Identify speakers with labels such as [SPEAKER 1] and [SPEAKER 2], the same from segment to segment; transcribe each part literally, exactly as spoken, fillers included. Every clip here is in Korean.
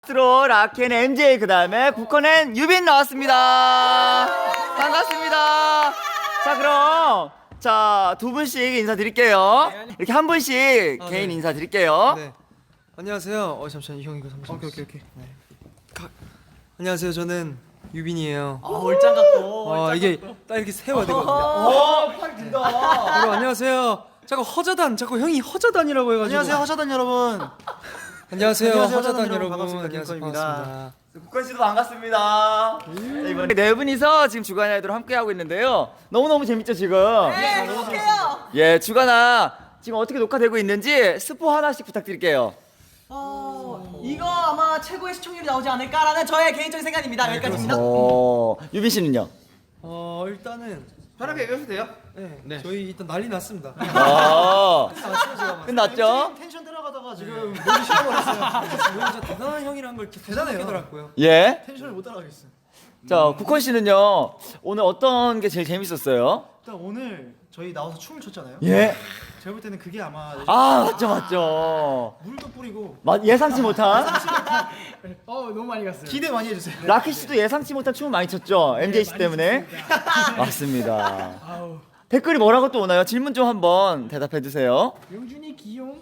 [SPEAKER 1] 트로 라켄 엠제이 그 다음에 국헌엔 유빈 나왔습니다. 반갑습니다. 자 그럼 자 두 분씩 인사드릴게요. 이렇게 한 분씩
[SPEAKER 2] 아,
[SPEAKER 1] 개인
[SPEAKER 2] 네.
[SPEAKER 1] 인사드릴게요.
[SPEAKER 2] 네. 안녕하세요. 어 잠시만 형 이거 잠시만.
[SPEAKER 3] 오케이 오케이 오케이.
[SPEAKER 2] 네. 가, 안녕하세요. 저는 유빈이에요.
[SPEAKER 3] 아 얼짱 같고.
[SPEAKER 2] 어 이게 딱 이렇게 세워야 되거든요.
[SPEAKER 1] 오, 팔 긴다.
[SPEAKER 2] 여러분 안녕하세요. 자꾸 허자단 자꾸 형이 허자단이라고 해가지고.
[SPEAKER 3] 안녕하세요 허자단 여러분.
[SPEAKER 2] 안녕하세요.
[SPEAKER 3] 안녕하세요,
[SPEAKER 2] 허자단
[SPEAKER 3] 허자단
[SPEAKER 2] 여러분.
[SPEAKER 3] 반갑습니다.
[SPEAKER 2] 안녕하세요.
[SPEAKER 3] 김건입니다.
[SPEAKER 2] 반갑습니다.
[SPEAKER 1] 국헌 씨도 반갑습니다. 자, 이번에 네 분이서 지금 주간 아이돌 함께 하고 있는데요. 너무 너무 재밌죠 지금?
[SPEAKER 4] 네, 행복해요.
[SPEAKER 1] 예, 주간아 지금 어떻게 녹화되고 있는지 스포 하나씩 부탁드릴게요.
[SPEAKER 4] 어, 이거 아마 최고의 시청률이 나오지 않을까라는 저의 개인적인 생각입니다. 여기까지입니다.
[SPEAKER 1] 어, 유빈 씨는요?
[SPEAKER 2] 어 일단은
[SPEAKER 3] 편하게 얘기하셔도 돼요.
[SPEAKER 2] 네,
[SPEAKER 3] 네.
[SPEAKER 2] 저희 일단 난리 났습니다.
[SPEAKER 1] 아, 끝났죠?
[SPEAKER 3] 텐션 들어가다가 지금 목이 쉬어버렸어요.
[SPEAKER 2] 진짜 대단한 형이란 걸 이렇게
[SPEAKER 3] 대단해요.
[SPEAKER 2] 생각하더라고요.
[SPEAKER 1] 예.
[SPEAKER 3] 텐션을 못 따라가겠어요.
[SPEAKER 1] 자, 국헌 씨는요. 오늘 어떤 게 제일 재밌었어요?
[SPEAKER 3] 일단 오늘 저희 나와서 춤을 췄잖아요.
[SPEAKER 1] 예.
[SPEAKER 3] 제가 볼 때는 그게 아마
[SPEAKER 1] 아, 맞죠, 맞죠.
[SPEAKER 3] 물도 뿌리고
[SPEAKER 1] 맞, 예상치 못한
[SPEAKER 3] 어 너무 많이 갔어요. 기대 많이 해주세요.
[SPEAKER 1] 라키 씨도 예상치 못한 춤을 많이 췄죠. 엠제이 씨 때문에. 맞습니다. 댓글이 뭐라고 또 오나요? 질문 좀 한번 대답해 주세요.
[SPEAKER 3] 영준이 귀용.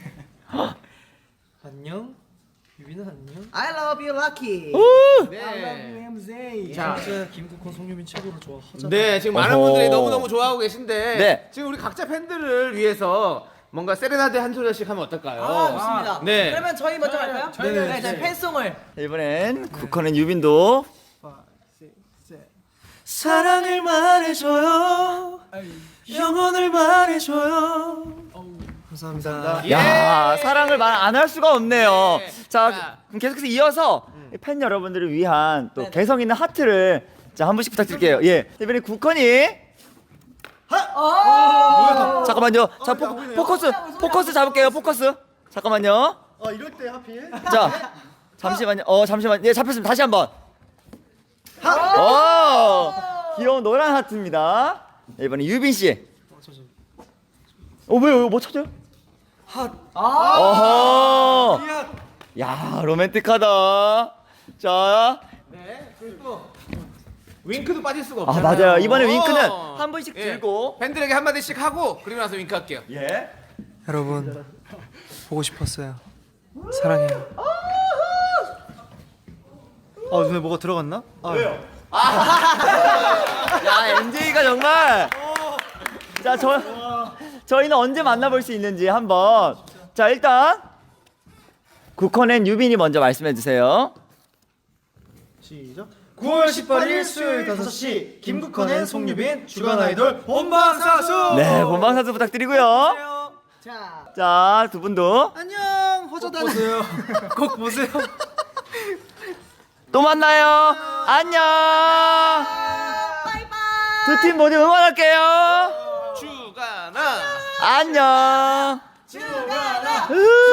[SPEAKER 2] 안녕. 유빈아 안녕.
[SPEAKER 4] I love you, Lucky.
[SPEAKER 3] I love you 엠제이.
[SPEAKER 2] 자, 진짜 김국헌, 송유빈 최고로 좋아. 허자단.
[SPEAKER 5] 네, 지금 많은
[SPEAKER 1] 어허.
[SPEAKER 5] 분들이 너무너무 좋아하고 계신데
[SPEAKER 1] 네.
[SPEAKER 5] 지금 우리 각자 팬들을 위해서 뭔가 세레나데 한 소절씩 하면 어떨까요?
[SPEAKER 4] 아, 좋습니다.
[SPEAKER 5] 네.
[SPEAKER 4] 그러면 저희 먼저 할까요?
[SPEAKER 2] 네네.
[SPEAKER 4] 네, 저희 팬송을.
[SPEAKER 1] 이번엔 국헌엔 유빈도
[SPEAKER 2] 사랑을 말해줘요. 영원을 말해줘요. 감사합니다.
[SPEAKER 1] 야, 사랑을 말 안 할 수가 없네요.
[SPEAKER 5] 네.
[SPEAKER 1] 자,
[SPEAKER 5] 자.
[SPEAKER 1] 그럼 계속해서 이어서 팬 여러분들을 위한 또
[SPEAKER 4] 네네.
[SPEAKER 1] 개성 있는 하트를 자, 한 분씩 부탁드릴게요. 예. 이번에 국헌이 잠깐만요. 자, 포, 포커스 포커스 잡을게요. 포커스. 잠깐만요.
[SPEAKER 3] 어 이럴 때 하필.
[SPEAKER 1] 자, 잠시만요. 어, 잠시만. 예, 잡혔습니다. 다시 한번. 어, 귀여운 노란 하트입니다. 네, 이번에 유빈 씨. 어, 왜요? 뭐 찾아요?
[SPEAKER 2] 핫.
[SPEAKER 1] 어허.
[SPEAKER 2] 야.
[SPEAKER 1] 야, 로맨틱하다. 자,
[SPEAKER 5] 네. 그리고 윙크도 빠질 수가
[SPEAKER 1] 아
[SPEAKER 5] 없잖아요.
[SPEAKER 1] 맞아요. 이번에
[SPEAKER 5] 어.
[SPEAKER 1] 윙크는 한 번씩
[SPEAKER 5] 예.
[SPEAKER 1] 들고.
[SPEAKER 5] 팬들에게 한 마디씩 하고 그리고 나서 윙크 할게요.
[SPEAKER 1] 예.
[SPEAKER 2] 여러분 보고 싶었어요. 사랑해요.
[SPEAKER 3] 어 눈에 뭐가 들어갔나? 아,
[SPEAKER 1] 왜요? 야, 엠제이가 정말. 자, 저 저희는 언제 만나볼 수 있는지 한번. 자, 일단 국헌엔 유빈이 먼저 말씀해 주세요.
[SPEAKER 3] 시작. 구월 십팔일 수요일 다섯 시 김국헌의 송유빈 주간 아이돌
[SPEAKER 2] 본방사수.
[SPEAKER 1] 네, 본방사수 부탁드리고요.
[SPEAKER 4] 자,
[SPEAKER 1] 자, 두 분도
[SPEAKER 3] 안녕 허자단.
[SPEAKER 2] 보세요. 꼭 보세요.
[SPEAKER 1] 또 만나요. 안녕.
[SPEAKER 4] 바이바이.
[SPEAKER 1] 두 팀 모두 응원할게요.
[SPEAKER 5] 주가나.
[SPEAKER 1] 안녕.
[SPEAKER 4] 주간아.
[SPEAKER 1] 으.